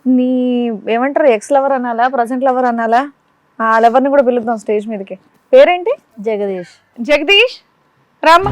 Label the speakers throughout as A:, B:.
A: నీ ఏమంటారు, ex lover అనాలా, ప్రజెంట్ లవర్ అనాలా? ఆ లవర్ని కూడా పిలుద్దాం స్టేజ్ మీదకి. పేరేంటి?
B: జగదీష్.
A: జగదీష్ రామ్మ.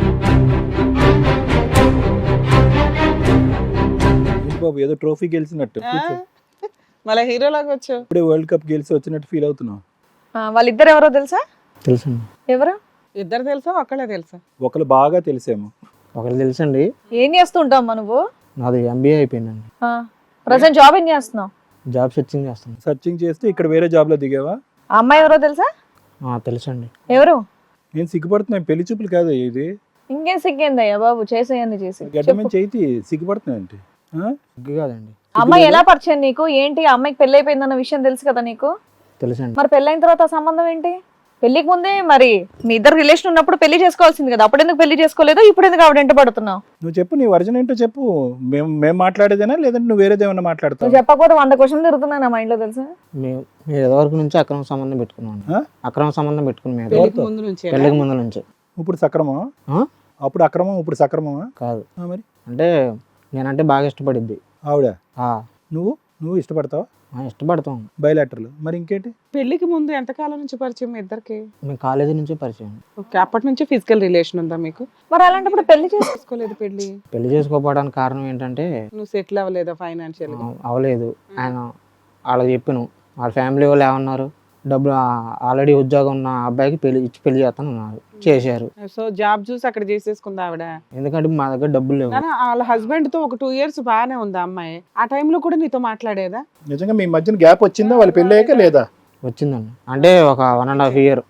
C: ఏంటి బాబు ఏదో ట్రోఫీ గెలిచినట్టు కూర్చో.
D: మళ్ళీ హీరోలాగా వచ్చావు.
C: ఇప్పుడే వరల్డ్ కప్ గెలిచి వచ్చినట్టు ఫీల్ అవుతున్నావు.
A: వాళ్ళిద్దరు ఎవరో తెలుసా?
E: తెలుసండి.
A: ఎవరు?
D: ఇద్దరు తెలుసా ఒక్కళ్ళే తెలుసా?
C: ఒకరు బాగా తెలిసేమో.
E: ఒకరు తెలుసండి.
A: ఏం చేస్తూ ఉంటావు నువ్వు?
E: నాది MBA అయిపోయిందండి.
A: ప్రజెంట్ జాబ్ ఏం చేస్తున్నావు?
E: జాబ్ సెర్చింగ్ చేస్తాను.
C: సర్చింగ్ చేస్తే ఇక్కడ వేరే జాబ్ లో దిగావా?
A: ఆ అమ్మాయి ఎవరో తెలుసా?
E: తెలుసండి.
A: ఎవరు?
C: నేను సిగ్గుపడుతున్నాను, పెళ్లి చూపులు కాదు ఇది.
A: ఇంకేం సిగ్గేందయ్యా బాబు, చేసేయండి చేసి.
C: గడ్డమని చేతి సిగ్గుపడుతున్నా అంటే
E: సిగ్గు కాదండి.
A: అమ్మాయి ఎలా పరిచయం నీకు? ఏంటి ఆ అమ్మాయికి పెళ్లి అయిపోయిందన్న విషయం తెలుసు కదా నీకు?
E: తెలుసండి.
A: మరి పెళ్ళైన తర్వాత ఆ సంబంధం ఏంటి? పెళ్లికి ముందే మరి మీ ఇద్దరు రిలేషన్ ఉన్నప్పుడు పెళ్లి చేసుకోవాల్సింది కదా, అప్పుడు ఎందుకు పెళ్లి చేసుకోలేదు? ఇప్పుడు ఎందుకు ఆవిడ వెంట పడుతున్నావు?
C: నువ్వు చెప్పు, నీ వర్జన్ ఏంటో చెప్పు. మేము మాట్లాడేదేనా లేదంటే నువ్వు వేరేదేమన్నా మాట్లాడతావు?
A: నువ్వు చెప్పకపోతే 100 క్వశ్చన్లు తిరుగుతున్నాయి నా మైండ్ లో తెలుసా?
E: మేము వరకు నుంచి అక్రమ సంబంధం పెట్టుకున్నాం. అక్రమ సంబంధం పెట్టుకుని మేము
D: పెళ్లికి ముందు నుంచి
E: పెళ్ళికి ముందు నుంచి.
C: ఇప్పుడు సక్రమమా? అప్పుడు అక్రమం, ఇప్పుడు సక్రమమా?
E: కాదు.
C: మరి
E: అంటే నేనంటే బాగా ఇష్టపడిద్ది
C: ఆవిడ.
E: ఆ,
C: నువ్వు ఇష్టపడతావా?
E: ఇష్టపడతాం.
C: బయలాటర్లు. మరి ఇంకేంటి?
D: పెళ్లికి ముందు ఎంతకాలం నుంచి పరిచయం మీ ఇద్దరికి?
E: మేము కాలేజీ నుంచే పరిచయం.
D: ఓకే, అప్పటి నుంచి ఫిజికల్ రిలేషన్ ఉందా మీకు?
A: మరి అలాంటప్పుడు పెళ్లి
D: చేసుకోలేదు.
E: పెళ్లి చేసుకోకపోవడానికి కారణం ఏంటంటే
D: నువ్వు సెటిల్ అవ్వలేదా ఫైనాన్షియల్?
E: అవ్వలేదు. ఆయన వాళ్ళకి చెప్పాను, వాళ్ళ ఫ్యామిలీ వాళ్ళు ఏమన్నారు, డబ్బులు ఆల్రెడీ ఉద్యోగం ఉన్న అబ్బాయికి పెళ్లి చేస్తాను అన్నారు. చేశారు.
D: సో జాబ్ చూసి అక్కడ చేసేసుకుందా ఆవిడ?
E: ఎందుకంటే మా దగ్గర డబ్బులు లేవు.
D: వాళ్ళ హస్బెండ్ తో ఒక 2 years బాగానే ఉంది అమ్మాయి. ఆ టైంలో కూడా నీతో మాట్లాడేదా?
C: నిజంగా మీ మధ్యన గ్యాప్ వచ్చిందా వాళ్ళు పెళ్ళి అయ్యాక లేదా?
E: వచ్చిందండి. అంటే ఒక 1.5 year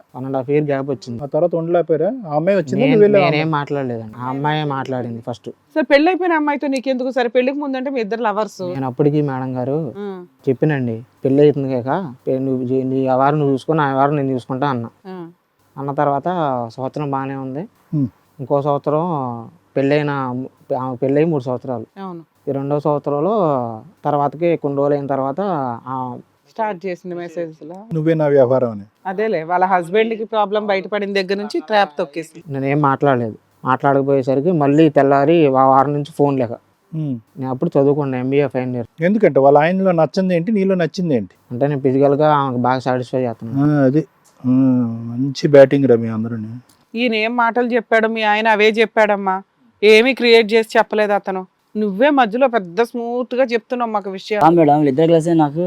E: గ్యాప్ వచ్చింది.
C: ఆ తర్వాత ఉండలేకపోయారా? ఆ అమ్మాయి వచ్చింది,
E: నేనేం మాట్లాడలేదండి. ఆ అమ్మాయి మాట్లాడింది ఫస్ట్.
D: సరే పెళ్లి అయిపోయిన అమ్మాయితో నీకెందుకు? సరే పెళ్లికి ముందు అంటే మీ ఇద్దరు లవర్స్.
E: నేను అప్పటికి మేడం గారు చెప్పినండి, పెళ్లి అవుతుంది కాక నువ్వు నీ వారం నువ్వు చూసుకుని, ఆ వారం నేను చూసుకుంటా అన్న తర్వాత సంవత్సరం బాగానే ఉంది. ఇంకో సంవత్సరం పెళ్ళైన 3 సంవత్సరాలు. ఈ 2వ సంవత్సరంలో తర్వాతకి కొన్ని రోజులు అయిన తర్వాత
D: స్టార్ట్ చేసింది మెసేజ్ లో
C: నువ్వే నా వ్యవహారం అని.
D: అదేలే, వాళ్ళ హస్బెండ్ కి ప్రాబ్లం బయటపడిన దగ్గర నుంచి ట్రాప్ తొక్కేసి
E: నేనేం మాట్లాడలేదు. మాట్లాడకపోయేసరికి మళ్ళీ తెల్లారి వారం నుంచి ఫోన్ లేక. నేను అప్పుడు చదువుకున్నాను, MBA ఫైనల్ ఇయర్.
C: ఎందుకంటే వాళ్ళ ఆయనలో నచ్చింది ఏంటి, నీలో నచ్చింది ఏంటి?
E: అంటే నేను ఫిజికల్గా ఆమెకు బాగా సాటిస్ఫై చేస్తున్నాను.
C: అది మంచి బ్యాటింగ్ రా మీ అందరూ.
D: ఈయన ఏం మాటలు చెప్పాడు, మీ ఆయన అవే చెప్పాడమ్మా. ఏమీ క్రియేట్ చేసి చెప్పలేదు అతను. నువ్వే మధ్యలో పెద్ద స్మూత్ గా చెప్తున్నావు మాకు విషయం.
F: మేడం వీళ్ళిద్దరు కలిసి నాకు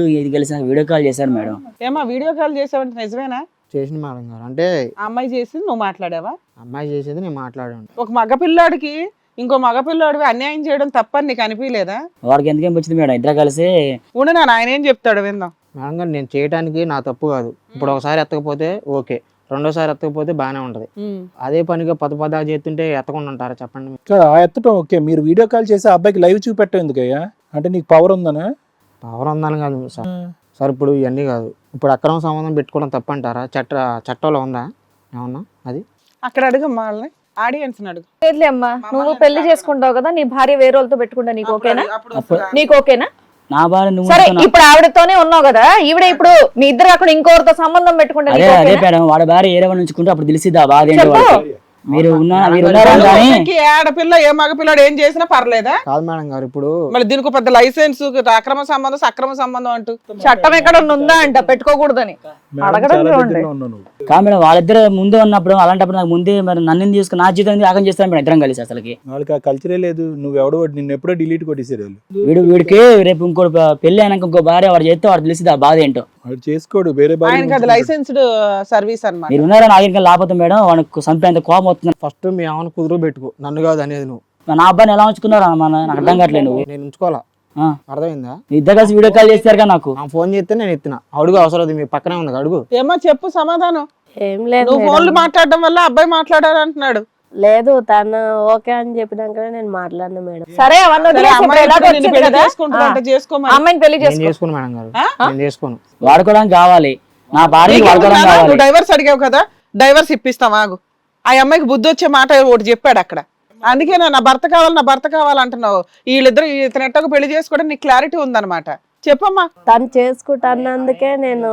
F: వీడియో కాల్ చేశారు మేడం.
D: ఏమా వీడియో కాల్ చేసావంటే నిజమేనా?
E: చేసిన మేడం గారు. అంటే
D: అమ్మాయి చేసింది నువ్వు మాట్లాడావా?
E: అమ్మాయి చేసేది నేను మాట్లాడాను.
D: ఒక మగపిల్లాడికి ఇంకో మగపిల్లాడివి అన్యాయం చేయడం తప్పని నీకు అనిపించలేదా?
F: వాడికి ఎందుకేం వచ్చింది మేడం, ఇద్దరు కలిసి
D: ఉండు నా ఆయన ఏం చెప్తాడు విందాం.
E: మేడం గారు, నేను చేయడానికి నా తప్పు కాదు. ఇప్పుడు ఒకసారి ఎత్తకపోతే ఓకే, రెండోసారి ఎత్తకపోతే బాగానే ఉంటది. అదే పనిగా పద చేస్తుంటే ఎత్తకుండా ఉంటారా చెప్పండి?
C: ఆ ఎత్తటం ఓకే, మీరు వీడియో కాల్ చేసి ఆ అబ్బాయికి లైవ్ చూపెట్టం ఎందుకయ్యా? అంటే నీకు పవర్ ఉందనా?
E: పవర్ ఉందని కాదు సార్. ఇప్పుడు ఇవన్నీ కాదు. ఇప్పుడు అక్రమ సంబంధం పెట్టుకోవడం తప్పంటారా? చట్టంలో ఉందా ఏమన్నా? అది
D: అక్కడ అడుగమ్మా, వాళ్ళని ఆడియన్స్ అడుగు.
A: లేదులే అమ్మా, నువ్వు పెళ్లి చేసుకుంటావు కదా, నీ భార్య వేరే వాళ్ళతో పెట్టుకుంటా, నీకు ఓకేనా? నీకు ఓకేనా?
F: నా భార్య నువ్వు
A: సరే, ఇప్పుడు ఆవిడతోనే ఉన్నావు కదా, ఈవిడ ఇప్పుడు మీ ఇద్దరు అక్కడ ఇంకోరితో సంబంధం పెట్టుకుంటా,
F: అదే మేడం, వాడి భార్య ఏరే ఉంచుకుంటే అప్పుడు తెలిసిద్దా బాధ ఏంటో. మీరు ఉన్నారా కానీ
D: ఆడపిల్ల ఏ మగపిల్లాడు ఏం చేసినా పర్లేదా?
E: కాదు మేడం గారు. ఇప్పుడు
D: మళ్ళీ దీనికి పెద్ద లైసెన్స్, అక్రమ సంబంధం సక్రమ సంబంధం అంటూ
A: చట్టం ఎక్కడ ఉందా అంట పెట్టుకోకూడదని అడగడం చూడండి.
F: కాదు మేడం, వాళ్ళిద్దరు ముందు ఉన్నప్పుడు అలాంటప్పుడు నాకు ముందే మరి నన్ను తీసుకుని నా జీవితం ఆగం చేస్తాను మేడం ఇద్దరం కలిసి. అసలుకి
C: వాళ్ళకి ఆ కల్చరే లేదు. నువ్వెవడో నిన్ను ఎప్పుడో డిలీట్ కొట్టేసారు వాళ్ళు.
F: వీడికి రేపు ఇంకో పెళ్లి అయినాక ఇంకో భార్య వాడు చేస్తే వాడు తెలిసిద్దా బాధ ఏంటో.
C: వాడు చేసుకోడు, వేరే
D: ఆయనకి అది లైసెన్స్డ్ సర్వీస్ అన్నమాట.
F: మీరు ఉన్నారా నాగరికం లేకపోతే మేడం వాడికి చంపేంత కోపం వస్తుంది.
E: ఫస్ట్ మీ ఆమెను కుదురు పెట్టుకో, నన్ను కాదు అనేది నువ్వు.
F: నా అబ్బాయిని ఎలా ఉంచుకున్నారా నాకు అర్థం కావట్లేదు. నువ్వు
E: నేను ఉంచుకోవాలా? అర్థమైందా?
F: ఇద్దరు కలిసి వీడియో కాల్ చేస్తారు కదా నాకు.
E: ఫోన్ చేస్తే నేను ఎత్తిన. అడుగు, అవసరం మీ పక్కనే ఉంది, అడుగు.
D: ఏమో చెప్పు సమాధానం.
B: ఏం లేదు,
D: నువ్వు ఫోన్లు మాట్లాడడం వల్ల అబ్బాయి మాట్లాడారు అంటున్నాడు.
B: లేదు తను ఓకే అని చెప్పినాకనే నేను మాట్లాడినా మేడం.
A: సరే అవన్నీ వదిలేసి ఇప్పుడు ఎలాగో వచ్చింది కదా,
D: చేసుకోమని
A: అమ్మాయిని పెళ్లి
E: నేను చేసుకోను మేడం గారు, నేను చేసుకోను.
F: వాడుకోవడానికి కావాలి, నా భార్య వాడుకోవడానికి కావాలి.
D: నువ్వు డైవర్స్ అడిగావు కదా, డైవర్స్ ఇప్పిస్తాం ఆగు. ఆ అమ్మాయికి బుద్ధి వచ్చే మాట ఒకటి చెప్పాడు అక్కడ. అందుకే నా భర్త కావాలి, నా భర్త కావాలంటున్నావు. వీళ్ళిద్దరు ఇతను ఎట్టకు పెళ్లి చేసుకోవడం నీకు క్లారిటీ ఉందన్నమాట. చెప్పమ్మా.
B: తను చేసుకుంటానందుకే నేను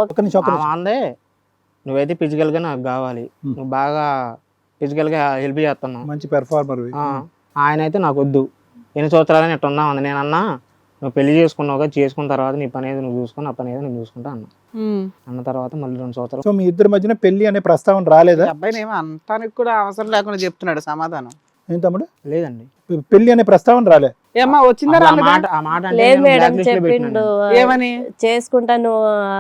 E: అందే, నువ్వైతే ఫిజికల్ గా నాకు కావాలి, నువ్వు బాగా ఫిజికల్ గా హెల్ప్ చేస్తున్నావు,
C: మంచి పెర్ఫార్మర్.
E: ఆయన అయితే నాకు వద్దు. ఎన్ని సంవత్సరాలని ఇట్లా ఉన్నావు. నేను అన్నా నువ్వు పెళ్లి చేసుకున్నావుగా, చేసుకున్న తర్వాత నీ పని ఏదో నువ్వు చూసుకుని నా పని ఏదో నేను చూసుకుంటా అన్న. అన్న తర్వాత మళ్ళీ 2 సంవత్సరాలు
C: సో మీ ఇద్దరి మధ్యన పెళ్లి అనే ప్రస్తావన రాలేదా?
D: అబ్బాయిని ఏమో అంతానికి కూడా అవసరం లేకుండా చెప్తున్నాడు సమాధానం.
C: ఏం తమ్ముడు,
E: లేదండి.
C: పెళ్లి అనే ప్రస్తావన రాలే?
D: ఏమ్మా వచ్చిందా
E: అసలు ఆ
D: రాలేదా?
E: మాట అంటే
B: లేదు
E: నేను
B: మేడం,
E: black list లో
B: చెప్పిండు
E: పెట్టినాను.
D: ఏమని?
B: చేసుకుంటాను,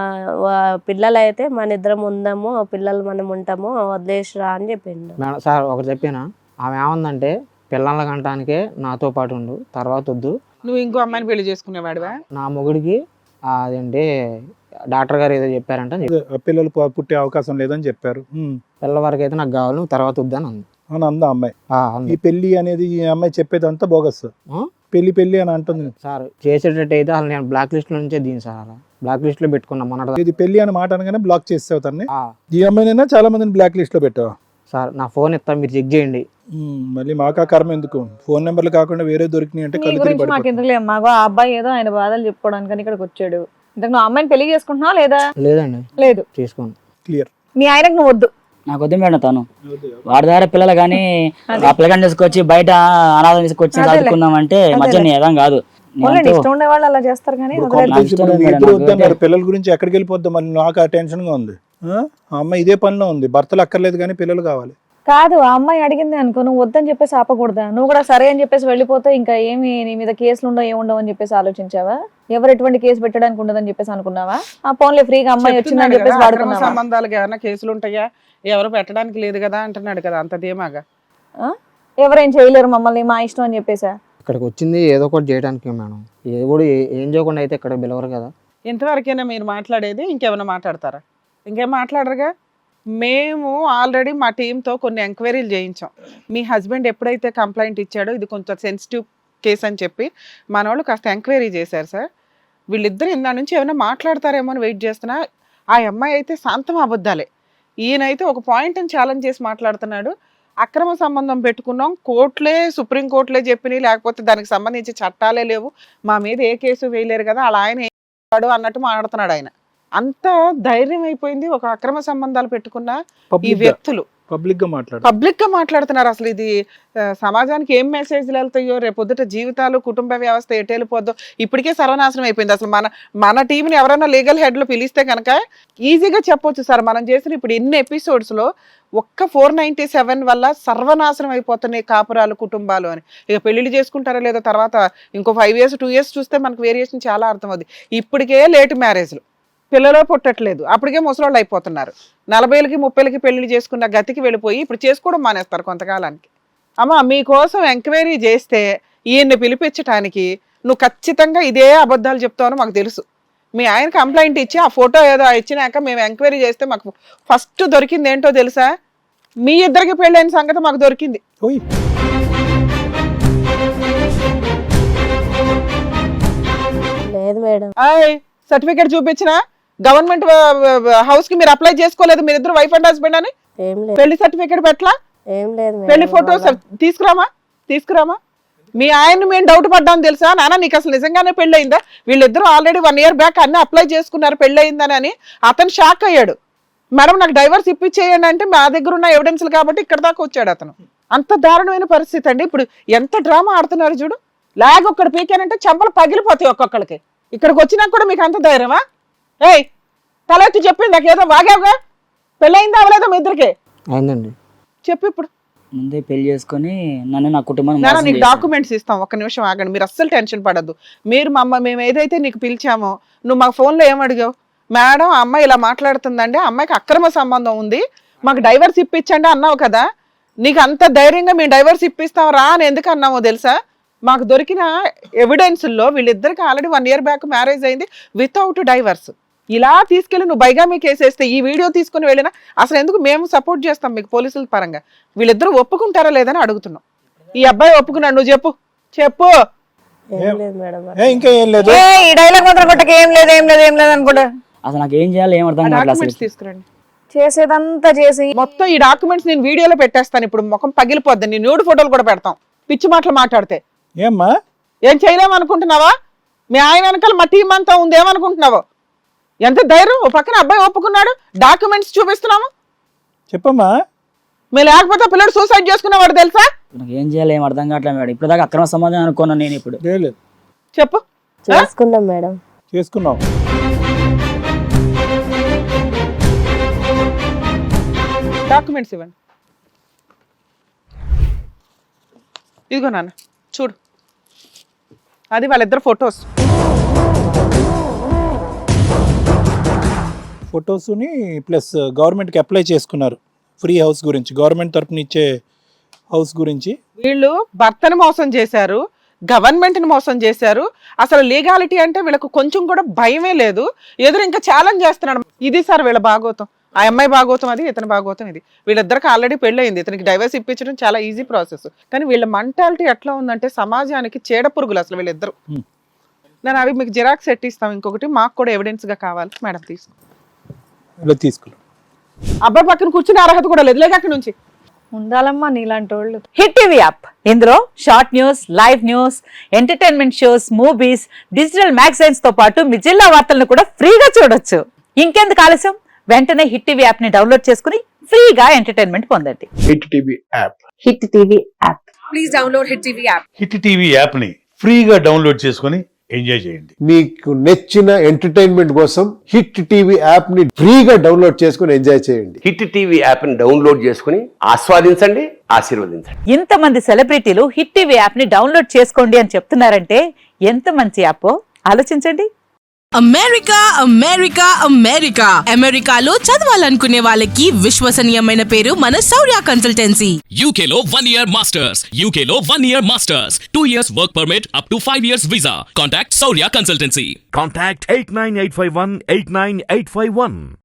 B: పిల్లలు అయితే మన ఇద్దరం ఉందాము, పిల్లలు మనం ఉంటాము, వదిలేసిరా అని చెప్పిండు.
E: మేడం సార్ ఒకటి చెప్పినా, ఆమె ఏమందంటే పిల్లల కంటానికే నాతో పాటు ఉండు, తర్వాత వద్దు.
D: నువ్వు ఇంకో అమ్మాయిని పెళ్లి చేసుకునేవాడివా?
E: నా మొగుడికి అదేంటి డాక్టర్ గారు ఏదో చెప్పారంట,
C: పిల్లలు పుట్టే అవకాశం లేదని చెప్పారు.
E: పిల్లల వరకు అయితే నాకు కావాలి, నువ్వు తర్వాత వద్దని అంది.
C: అని అందా అమ్మాయి.
E: అంది.
C: ఈ పెళ్లి అనేది ఈ అమ్మాయి చెప్పేదంతా బోగస్.
E: ఆ?
C: పెళ్లి అని అంటుంది.
E: సార్ చేసేటట్టు అయితే అసలు నేను బ్లాక్ లిస్ట్ లో నుంచే దీని సార్, అలా బ్లాక్ లిస్ట్ లో పెట్టుకున్నా మొన్న.
C: ఇది పెళ్లి అని మాట అనగానే బ్లాక్ చేసావు తన్ని. ఈ అమ్మాయినైనా చాలా మందిని బ్లాక్ లిస్ట్ లో పెట్టావు.
E: సార్ నా ఫోన్ ఇస్తా, మీరు చెక్ చేయండి.
C: మళ్ళీ మాకా కర్మ ఎందుకు? ఫోన్ నెంబర్లు కాకుండా వేరే దొరికినాయి అంటే
A: నీ
C: కళ్ళు
A: గురించి
C: తిరిగి
A: మాకు ఎందుకు లేదు, మాకు ఆ అబ్బాయి ఏదో ఆయన బాధలు చెప్పుకోవడానికి ఇక్కడికి వచ్చాడు. ఇంతకు నువ్వు అమ్మాయిని పెళ్లి చేసుకుంటున్నావా లేదా?
E: లేదండి,
A: లేదు.
E: చేసుకోండి.
C: క్లియర్.
A: మీ ఆయనకు నువ్వు వద్దు.
F: నాకు వద్దు మేడం, తను వాడి దగ్గర పిల్లలు కానీ ఆ పిల్లగాని తీసుకొచ్చి బయట అనాథం తీసుకొచ్చి చదువుకున్నాం అంటే మధ్య ఏదం కాదు.
A: వాళ్ళని ఇష్టం ఉండే వాళ్ళు అలా చేస్తారు కానీ
C: ఇద్దరు వద్దన్నారు. పిల్లల గురించి ఎక్కడికి వెళ్ళిపోద్దాం మళ్ళీ నాకు ఆ టెన్షన్ గా ఉంది. ఆ అమ్మాయి ఇదే పనిలో ఉంది, భర్తలు అక్కర్లేదు కానీ పిల్లలు కావాలి.
A: కాదు, ఆ అమ్మాయి అడిగింది అనుకో, నువ్వు వద్దని చెప్పేసి ఆపకూడదా? నువ్వు కూడా సరే అని చెప్పేసి వెళ్ళిపోతే ఇంకా ఏమి నీ మీద కేసులు ఉండవు ఏముండవు అని చెప్పేసి ఆలోచించావా? ఎవరు ఎటువంటి కేసు పెట్టడానికి ఉండదని చెప్పేసి అనుకున్నావా? ఆ ఫోన్లే ఫ్రీగా అమ్మాయి వచ్చిందని చెప్పేసి
D: అక్రమ
A: వాడుకున్నావా?
D: సంబంధాలకు ఏమైనా కేసులు ఉంటాయా? ఎవరు పెట్టడానికి లేదు కదా అంటున్నాడు కదా, అంత ధీమాగా.
A: ఎవరేం చేయలేరు మమ్మల్ని, మా ఇష్టం అని చెప్పేసా?
E: ఇక్కడికి వచ్చింది ఏదో ఒకటి చేయడానికి మేడం, ఏదో కూడా ఏం చేయకుండా అయితే ఇక్కడ పిలవరు కదా.
D: ఇంతవరకైనా మీరు మాట్లాడేది? ఇంకేమైనా మాట్లాడతారా? ఇంకేం మాట్లాడరుగా. మేము ఆల్రెడీ మా టీంతో కొన్ని ఎంక్వైరీలు చేయించాం. మీ హస్బెండ్ ఎప్పుడైతే కంప్లైంట్ ఇచ్చాడో ఇది కొంచెం సెన్సిటివ్ కేసు అని చెప్పి మన వాళ్ళు కాస్త ఎంక్వైరీ చేశారు సార్. వీళ్ళిద్దరు ఇందా నుంచి ఏమైనా మాట్లాడతారేమో అని వెయిట్ చేస్తున్నా. ఆ అమ్మాయి అయితే శాంతం అబద్ధాలే, ఈయనైతే ఒక పాయింట్ని ఛాలెంజ్ చేసి మాట్లాడుతున్నాడు. అక్రమ సంబంధం పెట్టుకున్నాం, కోర్టులే సుప్రీం కోర్టులే చెప్పినాయి, లేకపోతే దానికి సంబంధించి చట్టాలే లేవు, మా మీద ఏ కేసు వేయలేరు కదా, అలా ఆయన ఏం చేస్తాడు అన్నట్టు మాట్లాడుతున్నాడు ఆయన. అంత ధైర్యం అయిపోయింది ఒక అక్రమ సంబంధాలు పెట్టుకున్న ఈ వ్యక్తులు
C: పబ్లిక్
D: గా మాట్లాడుతున్నారు. అసలు ఇది సమాజానికి ఏం మెసేజ్లు వెళ్తాయో, రేపొద్దుట జీవితాలు, కుటుంబ వ్యవస్థ ఎటు వెళ్ళిపోద్దో. ఇప్పటికే సర్వనాశనం అయిపోయింది. అసలు మన టీంని ఎవరైనా లీగల్ హెడ్లు పిలిస్తే కనుక ఈజీగా చెప్పొచ్చు సార్, మనం చేసిన ఇప్పుడు ఎన్ని ఎపిసోడ్స్ లో ఒక్క 497 వల్ల సర్వనాశనం అయిపోతున్నాయి కాపురాలు, కుటుంబాలు అని. ఇక పెళ్లిళ్ళు చేసుకుంటారా లేదో తర్వాత ఇంకో 5 years 2 years చూస్తే మనకు వేరియేషన్ చాలా అర్థమవుతుంది. ఇప్పటికే లేట్ మ్యారేజ్లు, పిల్లలు పుట్టట్లేదు, అప్పటికే ముసలోళ్ళు అయిపోతున్నారు. 40 30 పెళ్లి చేసుకున్న గతికి వెళ్ళిపోయి ఇప్పుడు చేసుకోవడం మానేస్తారు కొంతకాలానికి. అమ్మ మీకోసం ఎంక్వైరీ చేస్తే ఈయన్ని పిలిపించడానికి నువ్వు ఖచ్చితంగా ఇదే అబద్ధాలు చెప్తావని మాకు తెలుసు. మీ ఆయన కంప్లైంట్ ఇచ్చి ఆ ఫోటో ఏదో ఇచ్చినాక మేము ఎంక్వైరీ చేస్తే మాకు ఫస్ట్ దొరికింది ఏంటో తెలుసా? మీ ఇద్దరికి పెళ్ళైన సంగతి మాకు దొరికింది.
B: లేదు మేడం.
D: సర్టిఫికేట్ చూపించిన గవర్నమెంట్ హౌస్ కి మీరు అప్లై చేసుకోలేదు, మీరు ఇద్దరు వైఫ్ అండ్ హస్బెండ్ అని.
B: ఏం లేదు,
D: పెళ్లి సర్టిఫికేట్ పెట్టలా?
B: ఏం లేదు
D: పెళ్లి ఫోటోస్ తీసుకురామా. మీ ఆయన్ని మేము డౌట్ పడ్డాం తెలుసా? నాన్న నీకు అసలు నిజంగానే పెళ్లి అయిందా? వీళ్ళిద్దరూ ఆల్రెడీ 1 year బ్యాక్ అన్ని అప్లై చేసుకున్నారు పెళ్లి అయిందని అని. అతను షాక్ అయ్యాడు. మేడం నాకు డైవర్స్ ఇప్పించేయండి అంటే మా దగ్గర ఉన్న ఎవిడెన్స్లు కాబట్టి ఇక్కడ దాకా వచ్చాడు అతను. అంత దారుణమైన పరిస్థితి అండి. ఇప్పుడు ఎంత డ్రామా ఆడుతున్నారు చూడు. లాగ్ ఒక్కడు పీకానంటే చెంపలు పగిలిపోతాయి ఒక్కొక్కడికి. ఇక్కడికి వచ్చినా కూడా మీకు అంత ధైర్యమా? ఏయ్ తల ఎత్తి చెప్పింది నాకేదో వాగావుగా, పెళ్ళయిందా అవలేదా మీ ఇద్దరికి?
E: అయిందండి.
D: చెప్పు ఇప్పుడు.
F: ముందే పెళ్లి చేసుకొని నన్ను నా కుటుంబాన్ని
D: నాన్న నీకు డాక్యుమెంట్స్ ఇస్తాం, ఒక్క నిమిషం ఆగండి, మీరు అస్సలు టెన్షన్ పడద్దు. మీరు మేము ఏదైతే నీకు పిలిచామో నువ్వు మా ఫోన్లో ఏమడిగావు? మేడం ఆ అమ్మాయి ఇలా మాట్లాడుతుందండి, ఆ అమ్మాయికి అక్రమ సంబంధం ఉంది, మాకు డైవర్స్ ఇప్పించండి అన్నావు కదా. నీకు అంత ధైర్యంగా మేము డైవర్స్ ఇప్పిస్తాం రా అని ఎందుకు అన్నామో తెలుసా? మాకు దొరికిన ఎవిడెన్స్లో వీళ్ళిద్దరికి ఆల్రెడీ 1 year బ్యాక్ మ్యారేజ్ అయింది వితౌట్ డైవర్స్. ఇలా తీసుకెళ్ళి నువ్వు బైగామీ కేసు వేస్తే ఈ వీడియో తీసుకుని వెళ్ళినా అసలు ఎందుకు మేము సపోర్ట్ చేస్తాం మీకు పోలీసుల పరంగా? వీళ్ళిద్దరూ ఒప్పుకుంటారా లేదని అడుగుతున్నాం. ఈ అబ్బాయి ఒప్పుకున్నాడు, నువ్వు చెప్పు.
B: ఏం లేదు మేడం.
C: ఇంకా ఏం లేదు.
A: ఈ డైలాగ్ మాత్రం కొట్టక ఏం లేదు అనుకుంటా.
F: అసలు నాకు ఏం చేయాలి ఏం అర్థం కావట్లేదు.
D: డాక్యుమెంట్స్ తీసుకురండి.
A: చేసేదంతా చేసి
D: మొత్తం ఈ డాక్యుమెంట్స్ నేను వీడియోలో పెట్టేస్తాను. ఇప్పుడు ముఖం పగిలిపోద్ది, నీ న్యూడ్ ఫోటోలు కూడా పెడతాం పిచ్చి మాటలు మాట్లాడితే.
C: ఏమ్మా
D: ఏం చేయలేమనుకుంటున్నావా? మీ ఆయన వెనకాల మా టీం అంతా ఉంది ఏమనుకుంటున్నావో? ఎంత ధైర్యం! ఓ పక్కన అబ్బాయి ఒప్పుకున్నాడు, డాక్యుమెంట్స్ చూపిస్తున్నాము.
C: చెప్పమ్మా.
D: మీరు లేకపోతే పిల్లడు సూసైడ్ చేసుకునేవాడు తెలుసా?
F: నాకు ఏం చేయాలి ఏం అర్థం కావట్లేదు మేడం. ఇప్పుడు దాకా అక్రమ సంబంధం అనుకున్నాను నేను. ఇప్పుడు
D: చెప్పు.
B: చేసుకున్నాం మేడం.
C: చేసుకున్నావు.
D: డాక్యుమెంట్స్ ఇవ్వండి. ఇదిగో నాన్న చూడు, అది వాళ్ళిద్దరు ఫొటోస్.
C: ఫొటోస్ని ప్లస్ గవర్నమెంట్కి అప్లై చేసుకున్నారు ఫ్రీ హౌస్ గురించి, గవర్నమెంట్ తరపున ఇచ్చే హౌస్ గురించి.
D: వీళ్ళు భర్తను మోసం చేశారు, గవర్నమెంట్ని మోసం చేశారు. అసలు లీగాలిటీ అంటే వీళ్ళకు కొంచెం కూడా భయమే లేదు. ఎదురు ఇంకా ఛాలెంజ్ చేస్తున్నాడు. ఇది సార్ వీళ్ళ భాగోతం. ఆ అమ్మాయి భాగోతం అది, ఇతని భాగోతం ఇది. వీళ్ళిద్దరికి ఆల్రెడీ పెళ్ళయింది. ఇతనికి డైవర్స్ ఇప్పించడం చాలా ఈజీ ప్రాసెస్. కానీ వీళ్ళ మెంటాలిటీ ఎట్లా ఉందంటే సమాజానికి చీడ పురుగులు అసలు వీళ్ళిద్దరు. నేను అవి మీకు జిరాక్స్ ఎట్టిస్తాం. ఇంకొకటి మాకు కూడా ఎవిడెన్స్ గా కావాలి మేడం, తీసుకో.
C: ఇలా తీసుకున్నాం.
D: అబ్బాయి పక్కన కూర్చునే అర్హత కూడా లేదు, లేక అక్కడి నుంచి.
A: ఉండాలమ్మా నీలాంటి వాళ్ళు.
G: హిట్ టీవీ యాప్, ఇందులో short news, live news, entertainment shows, movies, digital magazines తో పాటు మీ జిల్లా వార్తలను కూడా ఫ్రీగా చూడొచ్చు. ఇంకెందుకు ఆలస్యం, వెంటనే హిట్ టీవీ యాప్ ని డౌన్లోడ్ చేసుకుని ఫ్రీగా ఎంటర్టైన్మెంట్ పొందండి.
H: Hit TV app.
G: Hit TV app.
I: Please download hit TV app.
J: Hit TV app ని ఫ్రీగా డౌన్లోడ్ చేసుకొని ఎంజాయ్ చేయండి.
H: మీకు నచ్చిన ఎంటర్టైన్మెంట్ కోసం హిట్ టీవీ యాప్ ని ఫ్రీగా డౌన్లోడ్ చేసుకొని ఎంజాయ్ చేయండి.
K: హిట్ టీవీ యాప్ ని డౌన్లోడ్ చేసుకుని ఆస్వాదించండి, ఆశీర్వదించండి.
G: ఇంతమంది సెలబ్రిటీలు హిట్ టీవీ యాప్ ని డౌన్లోడ్ చేసుకోండి అని చెప్తున్నారంటే ఎంత మంచి యాప్ ఆలోచించండి.
I: అమెరికా అమెరికా అమెరికా అమెరికాలో చదవాలనుకునే వాళ్ళకి విశ్వసనీయమైన పేరు మన శౌర్య కన్సల్టెన్సీ.
L: UK లో 1 year masters, UK లో 1 year masters, 2 years work permit up to 5 years visa. Contact Saurya Consultancy.
M: Contact 89851 89851.